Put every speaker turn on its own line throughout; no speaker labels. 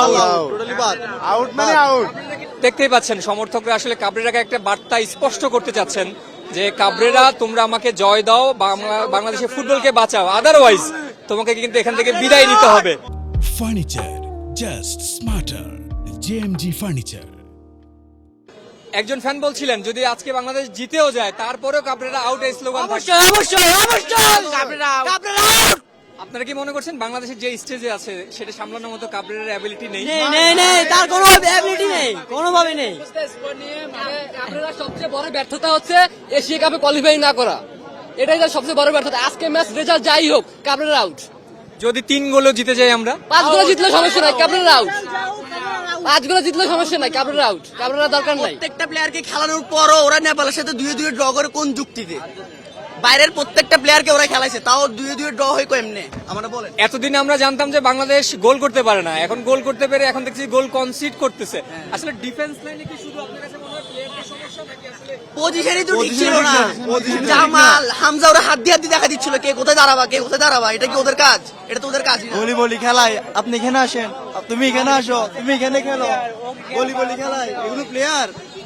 Out মানে out.
দেখতেই পাচ্ছেন সমর্থকরা আসলে কাবরেরাকে একটা বার্তা স্পষ্ট করতে চাচ্ছেন যে কাবরেরা তোমরা আমাকে জয় দাও, বাংলাদেশের ফুটবলকে বাঁচাও, আদারওয়াইজ তোমাকে কিন্তু এখান থেকে বিদায় নিতে হবে।
Furniture just smarter, JMG furniture.
একজন ফ্যান বলছিলেন যদি আজকে বাংলাদেশ জিতেও যায় তারপরেও কাবরেরা আউট এই স্লোগান থাকবে। আপনারা কি মনে করছেন বাংলাদেশের যে স্টেজে আছে সেটা সামলানোর মতো কাবরেরার অ্যাবিলিটি নেই?
তার কোনো অ্যাবিলিটি নেই, কোনোভাবে নেই।
কাবরেরার সবচেয়ে বড় ব্যর্থতা হচ্ছে এশিয়া কাপে কোয়ালিফাই না করা, এটাই তার সবচেয়ে বড় ব্যর্থতা। আজকে ম্যাচ রেজাল্ট যাই হোক, কাবরেরা আউট।
যদি 3 গোলও জিতে যাই আমরা,
5 গোল জিতলে সমস্যা নাই, কাবরেরা আউট। 5 গোল জিতলে সমস্যা নাই, কাবরেরা আউট। কাবরেরা দরকার নাই।
প্রত্যেকটা প্লেয়ারকে খেলানোর পরও ওরা নেপালের সাথে 2-2 ড্র করে কোন যুক্তিতে? বাইরের প্রত্যেকটা প্লেয়ারকে ওরা খেলাইছে, তাও 2-2 ড্র হয় কেমনে আমরা বলেন?
এতদিন আমরা জানতাম যে বাংলাদেশ গোল করতে পারে না, এখন গোল করতে পেরে এখন দেখছি গোল কনসিড করতেছে। আসলে ডিফেন্স লাইনে কি শুধু আপনার কাছে মনে হয় প্লেয়ারদের সমস্যা নাকি আসলে
পজিশনই তো ঠিক ছিল না। জামাল হামজা ওরা হাত দিয়ে দেখা দিচ্ছিল কে কোথায় দাঁড়াবা, কে কোথায় দাঁড়াবা। এটা কি ওদের কাজ? এটা তো ওদের কাজ না।
বলি বলি খেলায় আপনি এখানে আসেন, তুমি এখানে আসো, তুমি এখানে খেলো, বলি বলি খেলায় এগুলো প্লেয়ার।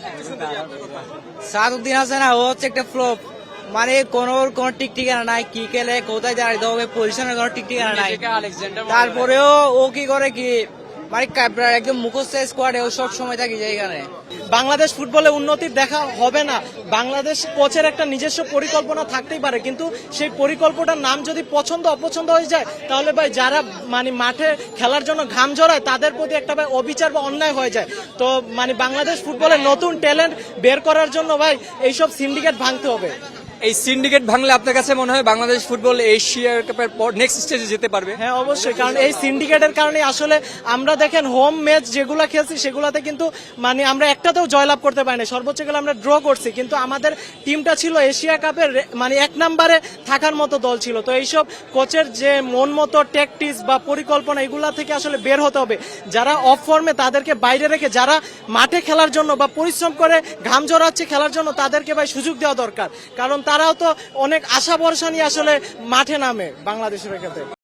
সাদউদ্দিন হাসান ও হচ্ছে একটা ফ্লপ, মানে কোন ঠিক ঠিকানা নাই, কি খেলে কোথায় দাঁড়াইতে হবে, পজিশনের কোনো ঠিক ঠিকানা নাই। তারপরেও ও কি করে কি মানে একদম মুখস্থ স্কোয়াডে ও সব সময় থাকি যায় এখানে।
বাংলাদেশ ফুটবলে উন্নতি দেখা হবে না, বাংলাদেশ কোচের একটা নিজস্ব পরিকল্পনা থাকতেই পারে, কিন্তু সেই পরিকল্পনার নাম যদি পছন্দ অপছন্দ হয়ে যায় তাহলে ভাই যারা মানে মাঠে খেলার জন্য ঘাম ঝরায় তাদের প্রতি একটা ভাই অবিচার বা অন্যায় হয়ে যায়। তো মানে বাংলাদেশ ফুটবলের নতুন ট্যালেন্ট বের করার জন্য ভাই এইসব সিন্ডিকেট ভাঙতে হবে।
এই সিন্ডিকেট ভাঙলে আপনার কাছে মনে হয় বাংলাদেশ ফুটবল এশিয়া কাপের পর নেক্সট স্টেজে যেতে পারবে?
হ্যাঁ অবশ্যই, কারণ এই সিন্ডিকেটের কারণে আসলে আমরা দেখেন হোম ম্যাচ যেগুলো খেলছি সেগুলোতে কিন্তু মানে আমরা একটাতেও জয়লাভ করতে পারিনি, সর্বোচ্চ গেলে আমরা ড্র করছি, কিন্তু আমাদের টিমটা ছিল এশিয়া কাপের মানে 1 নম্বরে থাকার মতো দল ছিল। তো এইসব কোচের যে মন মতো ট্যাকটিক্স বা পরিকল্পনা এগুলা থেকে আসলে বের হতে হবে। যারা অফ ফর্মে তাদেরকে বাইরে রেখে যারা মাঠে খেলার জন্য বা পরিশ্রম করে ঘাম ঝরাচ্ছে খেলার জন্য তাদেরকে ভাই সুযোগ দেওয়া দরকার, কারণ তারাও তো অনেক আশা ভরসা নিয়ে আসলে মাঠে নামে বাংলাদেশের ক্ষেত্রে।